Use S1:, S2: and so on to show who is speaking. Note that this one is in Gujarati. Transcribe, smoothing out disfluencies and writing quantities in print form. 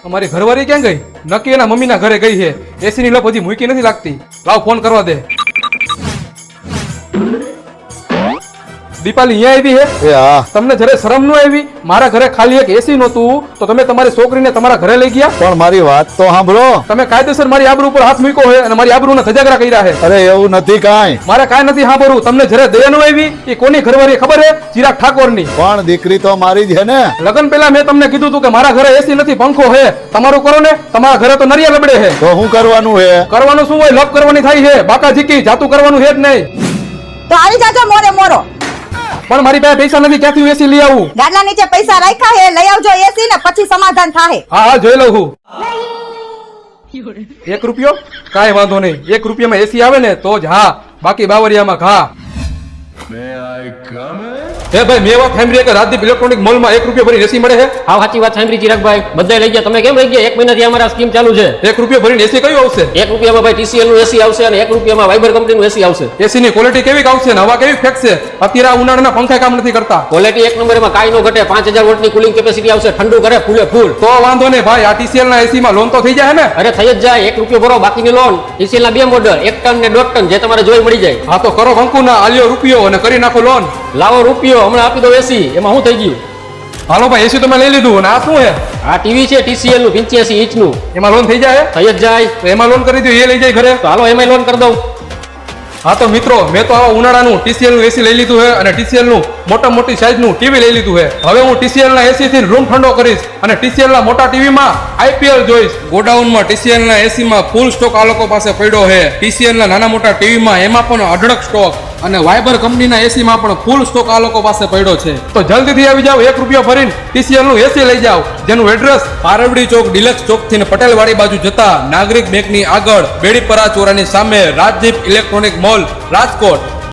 S1: અમારી ઘરવાળી ક્યાં ગઈ? નક્કી એના મમ્મીના ઘરે ગઈ છે. એસી ની લપ હજી મૂકી નથી લાગતી. લાવ ફોન કરવા દે. દીપાલી અહીંયા આવી હે?
S2: એ હા.
S1: તમને જયારે શરમ ન આવી? મારા ઘરે ખાલી એક એસી નહોતું તો તમે તમારી છોકરીને તમારા ઘરે લઈ ગયા.
S2: પણ મારી વાત તો સાંભળો.
S1: તમે કાયદેસર મારી આબરૂ ઉપર હાથ મૂક્યો છે અને મારી આબરૂને ધજાગરા કર્યા છે.
S2: અરે એવું નથી કાંઈ.
S1: મારે કાંઈ નથી સાંભળવું. તમને જયારે દયા ન આવી એ કોની ઘરવાળી ખબર છે? ચિરાગ ઠાકોરની.
S2: પણ દીકરી તો મારી જ છે ને.
S1: લગન પહેલા મેં તમને કીધું હતું કે મારા ઘરે એસી નથી, પંખો છે. તમારું કરો ને. તમારા ઘરે તો નરિયા લબડે છે.
S2: તો શું કરવાનું છે?
S1: કરવાનું શું હોય? લપ કરવાની થાય છે. બાકા ઝીકી જાતું કરવાનું છે જ નહીં.
S3: તો આવી જાજો મોરે મોરો.
S1: પણ મારી પાસે પૈસા નથી. ક્યાંથી હું એસી લઈ આવું?
S3: ગાડલા નીચે પૈસા રાખ્યા હે, લઈ આવજો એસી ને પછી સમાધાન થાય.
S1: હા હા જોઈ લઉં છું. 1 રૂપિયો? કાંઈ વાંધો નહીં. 1 રૂપિયામાં એસી આવે ને તો જ હા, બાકી બાવરિયામાં ઘા. હે ભાઈ, મેં વાત સાંભળી કે રાજદીપ ઇલેક્ટ્રોનિક મોલમાં 1 રૂપિયો ભરીને એસી મળે છે.
S4: હા સાચી વાત સાંભળી ચિરાગભાઈ, બધા લઈ ગયા. તમે કેમ લઈ ગયા? 1 મહિનાથી અમારા સ્કીમ ચાલુ છે.
S1: 1 રૂપિયો ભરીને એસી કયું આવશે?
S4: 1 રૂપિયામાં ભાઈ TCL નું એસી આવશે અને 1 રૂપિયામાં વાઇબર કંપનીનું એસી આવશે.
S1: એસી ની ક્વોલિટી કેવી આવશે ને હવા કેવી ફેંકશે? અત્યારે આ ઉનાળાના પંખા કામ નથી કરતા.
S4: ક્વોલિટી 1 નંબર, એમાં કાંઈ નો ઘટે. 5000 વોટની કુલિંગ કેપેસિટી આવશે, ઠંડુ કરે ફૂલે ફૂલ.
S1: તો વાંધો નહીં ભાઈ, આ TCL ના એસી માં લોન તો થઈ જાય ને?
S4: અરે થઈ જ જાય. 1 રૂપિયો ભરો, બાકીની લોન. TCL ના 2 મોડલ, 1 ટન ને 1.5 ટન, જે તમારે જોઈ મળી જાય.
S1: હા તો કરો કંકુ ના આલ્યો રૂપિયો અને કરી નાખો લોન.
S4: લાવો રૂપિયો, હમણાં આપી દો એસી. એમાં શું થઈ ગયું?
S1: હાલો ભાઈ, એસી તો મેં લઈ લીધું. અને આ શું છે?
S4: આ ટીવી છે TCL નું 85 ઇંચનું.
S1: એમાં લોન થઈ જાય?
S4: થઈ જ જાય.
S1: તો એમાં લોન કરી દો, એ લઈ જાય ઘરે.
S4: તો હાલો એમાં લોન કરી દઉં.
S1: હા તો મિત્રો, મેં તો આવા ઉનાળાનું TCL નું એસી લઈ લીધું છે અને TCL નું મોટી સાઈઝ નું ટીવી લઈ લીધું છે. હવે હું TCL ના એસી થી રૂમ ઠંડો કરીશ અને TCL ના મોટા ટીવી માં IPL જોઈશ. ગોડાઉન માં TCL ના એસી માં ફૂલ સ્ટોક આ લોકો પાસે પડ્યો છે. TCL ના નાના મોટા ટીવી માં એમાં પણ અઢળક સ્ટોક અને વાઇબર કંપનીના એસી માં પણ ફૂલ સ્ટોક આ લોકો પાસે પડ્યો છે. તો જલ્દીથી આવી જાવ, 1 રૂપિયો ભરીને TCL નું એસી લઈ જાવ, જેનું એડ્રેસ પારવડી ચોક ડિલક્સ ચોક થી પટેલવાડી બાજુ જતા નાગરિક બેંક ની આગળ બેડીપરા ચોરાની સામે રાજદીપ ઇલેક્ટ્રોનિક મોલ રાજકોટ.